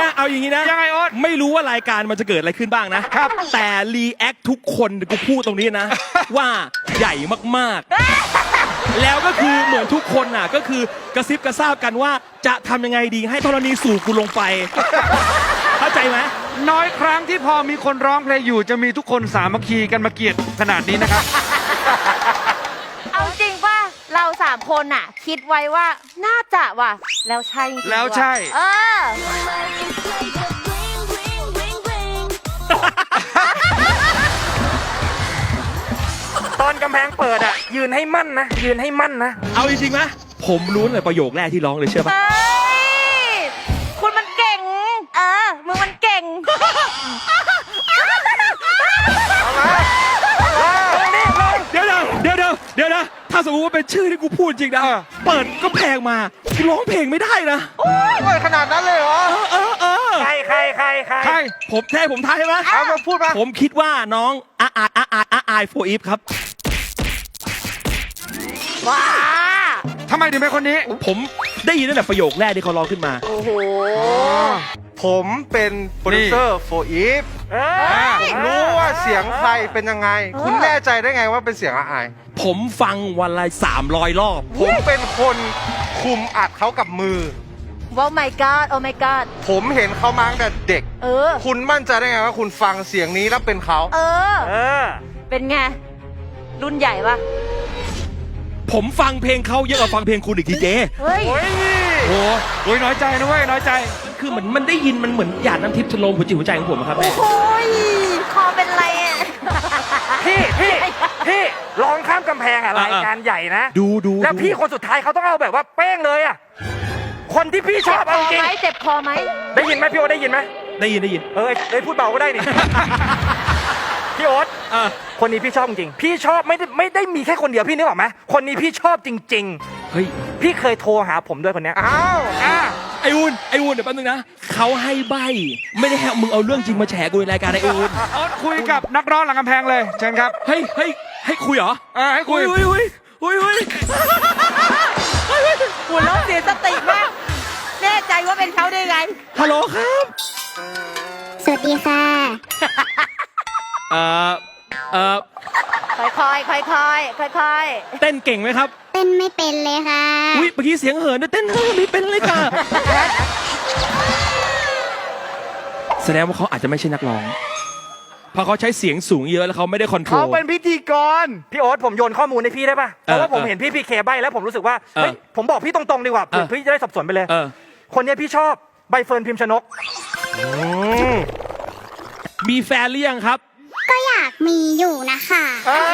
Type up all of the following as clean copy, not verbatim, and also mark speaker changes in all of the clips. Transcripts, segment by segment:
Speaker 1: เอาอย่างนี้นะ
Speaker 2: ยังไงโอ๊ต
Speaker 1: ไม่รู้ว่ารายการมันจะเกิดอะไรขึ้นบ้างนะครับแต่รีแอคทุกคนกูพูดตรงนี้นะ ว่าใหญ่มากๆแล้วก็คือเหมือนทุกคนน่ะก็คือกระซิบกระซาบกันว่าจะทำยังไงดีให้ธรณีสู่กูลงไปเข้าใจไหม
Speaker 2: น้อยครั้งที่พอมีคนร้องเพลงอยู่จะมีทุกคนสามัคคีกันมาเกลียดขนาดนี้นะครับ
Speaker 3: เอาจริงป่ะเรา3 คนน่ะ คิดไว้ว่าน่าจะว่ะแล้วใช่จริงๆ
Speaker 2: แล้วใช่
Speaker 3: เออ
Speaker 4: ตอนกำแพงเปิดอ่ะยืนให้มั่นนะยืนให้มั่นนะ
Speaker 1: เอาจริงๆไหมผมรู้เลยประโยคแรกที่ร้องเลยเชื่อปะ
Speaker 3: เฮ้ยคุณมันเก่งมึงมันเก่ง
Speaker 1: เดี๋ยวนะถ้าสมมติว่าเป็นชื่อที่กูพูดจริงนะเปิดก็แพงมากูร้องเพลงไม่ได้นะ
Speaker 4: โอ้ยขนาดนั้นเลยเหรอใคร
Speaker 1: ผมทายใช่ไหม
Speaker 4: มาพูดมา
Speaker 1: ผมคิดว่าน้องอายโฟอีฟครับ
Speaker 3: ว้า
Speaker 2: ทำไมถึงเป็นคนนี้
Speaker 1: ผมได้ยินตั้งแต่ประโยคแรกที่เขาร้องขึ้นมา
Speaker 3: โอ้โห
Speaker 4: ผมเป็นโปรดิวเซอร์โฟอีฟผมรู้ว่าเสียงใครเป็นยังไงคุณแน่ใจได้ไงว่าเป็นเสียงอาย
Speaker 1: ผมฟังวันละ300 รอบ
Speaker 4: ผมเป็นคนคุมอัดเขากับมือ
Speaker 3: ว้าว my god โอ้ my god
Speaker 4: ผมเห็นเขามาตั้งแต่เด็กคุณมั่นใจได้ไงว่าคุณฟังเสียงนี้แล้วเป็นเขา
Speaker 3: เป็นไงรุ่นใหญ่ปะ
Speaker 1: ผมฟังเพลงเขาเยอะกว่าฟังเพลงคุณอีกทีเจ
Speaker 3: เฮ้ย
Speaker 2: โอ้ยน้อยใจนะเว้ยน้อยใจ
Speaker 1: คือมันได้ยินมันเหมือนหยาดน้ำทิพย์ชโลมหัวจิตหัวใจของผมครับแม่
Speaker 3: โอ้ยคอเป็นไรอ่ะ
Speaker 4: พี่ร้องข้ามกำแพงอะไรรายการใหญ่นะ
Speaker 1: ดู
Speaker 4: แล้วพี่คนสุดท้ายเขาต้องเอาแบบว่าเป้งเลยอ่ะคนที่พี่ชอบเอาจริง
Speaker 3: เจ็บคอไหม
Speaker 4: ได้ยินไหมพี่โอ๊ตได้ยินไหม
Speaker 1: ได้ยิน
Speaker 4: พูดเบาก็ได้นี่ พี่โอ๊ตคนนี้พี่ชอบจริงพี่ชอบไม่ได้มีแค่คนเดียวพี่นึกออกไหมคนนี้พี่ชอบจริง
Speaker 1: ๆเฮ้ย
Speaker 4: พี่เคยโทรหาผมด้วยคนนี้
Speaker 1: ไออุ่นเดี๋ยวแป๊บนึงนะเขาให้ใบไม่ได้ให้มึงเอาเรื่องจริงมาแฉกูในรายการไออุ่น
Speaker 2: คุยกับนักร้องหลังกำแพงเลยเชิญครับ
Speaker 1: ให้คุยเหรอ
Speaker 2: ให้คุย
Speaker 3: หัวเราะเสียสติมากแน่ใจว่าเป็นเขาได้ไง
Speaker 1: ฮัลโหลครับ
Speaker 5: สวัสดีค่ะ
Speaker 3: ค่อย
Speaker 1: เต้นเก่งไหมครับ
Speaker 5: เต้นไม่เป็นเลยค่ะ
Speaker 1: อุ้ยเมื่อกี้เสียงเหินด้วยเต้นไม่เป็นเลยค่ะแสดงว่าเขาอาจจะไม่ใช่นักร้องเพราะเขาใช้เสียงสูงเยอะแล้วเขาไม่ได้คอนโทรล
Speaker 4: เขาเป็นพิธีกรพี่โอ๊ตผมโยนข้อมูลให้พี่ได้ป่ะเพราะว่าผมเห็นพี่พีเคใบแล้วผมรู้สึกว่าเฮ้ยผมบอกพี่ตรงๆดีกว่าพี่จะได้สับสนไปเลยคนนี้พี่ชอบใบเฟิร์นพิมพ์ชนก
Speaker 1: มีแฟนหรือยังครับ
Speaker 5: ก็อยากมีอยู่นะคะ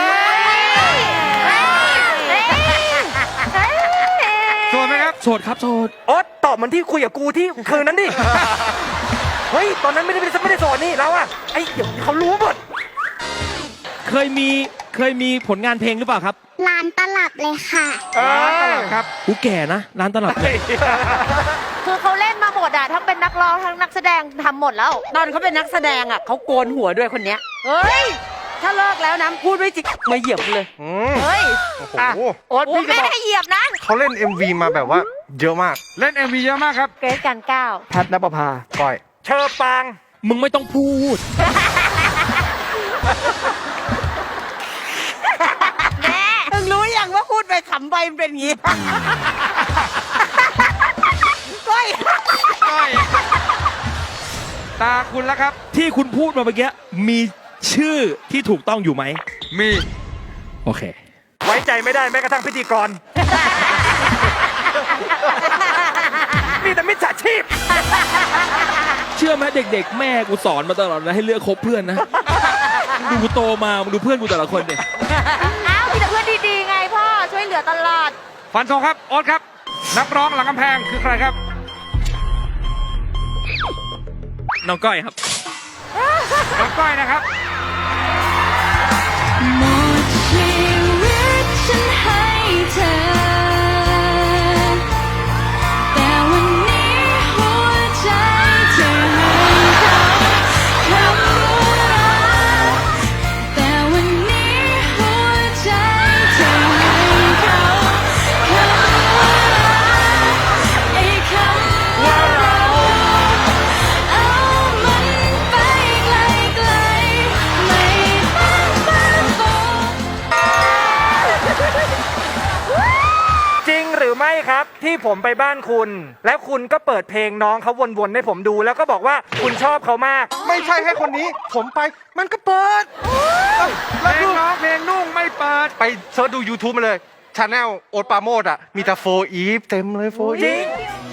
Speaker 2: โสดไหมครับ
Speaker 1: โสดครับโสด
Speaker 4: โอ๊ตตอบเหมือนที่คุยกับกูที่คืนนั้นดิเฮ้ยตอนนั้นไม่ได้โสดนี่แล้วอะไอ้เดี๋ยวเขารู้หมด
Speaker 1: เคยมีผลงานเพลงหรือเปล่าครับ
Speaker 5: ร้านตลับเลยค่ะ
Speaker 2: ร้านตลับครับ
Speaker 1: กูแก่นะร้านตลับ
Speaker 3: คือเขาเล่นมาหมดอะทั้งเป็นนักร้องทั้งนักแสดงทำหมดแล้วตอนเขาเป็นนักแสดงอะเขาโกนหัวด้วยคนเนี้ยเฮ้ยถ้าเลิกแล้วนะพูดไม่จริงมาเหยียบเลยเฮ้ยโอ๊ตพี่ไม่ได้เหยียบนะ
Speaker 4: เขาเล่น MV มาแบบว่าเยอะมาก
Speaker 2: เล่น MV เยอะมากครับ
Speaker 3: เกรซกันก้าว
Speaker 4: แพทณปภาก้อยเชอปาง
Speaker 1: มึงไม่ต้องพูด
Speaker 3: แม่มึงรู้ยังว่าพูดไปขำไปมันเป็นอย่างนี้ก้อย
Speaker 2: ตาคุณแล้วครับ
Speaker 1: ที่คุณพูดมาเมื่อกี้มีชื่อที่ถูกต้องอยู่ไหม
Speaker 2: มี
Speaker 1: โอเค
Speaker 4: ไว้ใจไม่ได้แม้กระทั่งพิธีกรมีแต่มิจฉาชีพ
Speaker 1: เชื่อไหมเด็กๆแม่กูสอนมาตลอดนะให้เลือกคบเพื่อนนะดูกูโตมาดูเพื่อนกูแต่ละคนเนี่ย
Speaker 3: อ้าวมีแต่เพื่อนดีๆไงพ่อช่วยเหลือตลอด
Speaker 2: ฟันธงครับโอ๊ตครับนักร้องหลังกำแพงคือใครครับ
Speaker 1: น้องก้อยครับ
Speaker 2: น้องก้อยนะครับ
Speaker 5: หมดชีวิตฉันให้เธอแต่วันนี้หัวใจเธอให้เขาคำว่ารักแต่วันนี้หัวใจเธอให้เขาคำว่ารักไอ้คำว่าเรา
Speaker 4: ไม่ครับที่ผมไปบ้านคุณ แล้วคุณก็เปิดเพลงน้องเขาวนๆให้ผมดู แล้วก็บอกว่าคุณชอบเขามาก
Speaker 6: ไม่ใช่แค่คนนี้ ผมไปมันก็เปิด
Speaker 2: เพลงน้องเพลงนุ่งไม่เปิด
Speaker 6: ไปเสิร์ชดู YouTube มาเลยชาแนลโอ๊ตปราโมดอ่ะ มีแต่โฟอีฟเต็มเลยโฟ
Speaker 4: จ
Speaker 6: อี
Speaker 4: ริ
Speaker 6: ฟ
Speaker 4: ง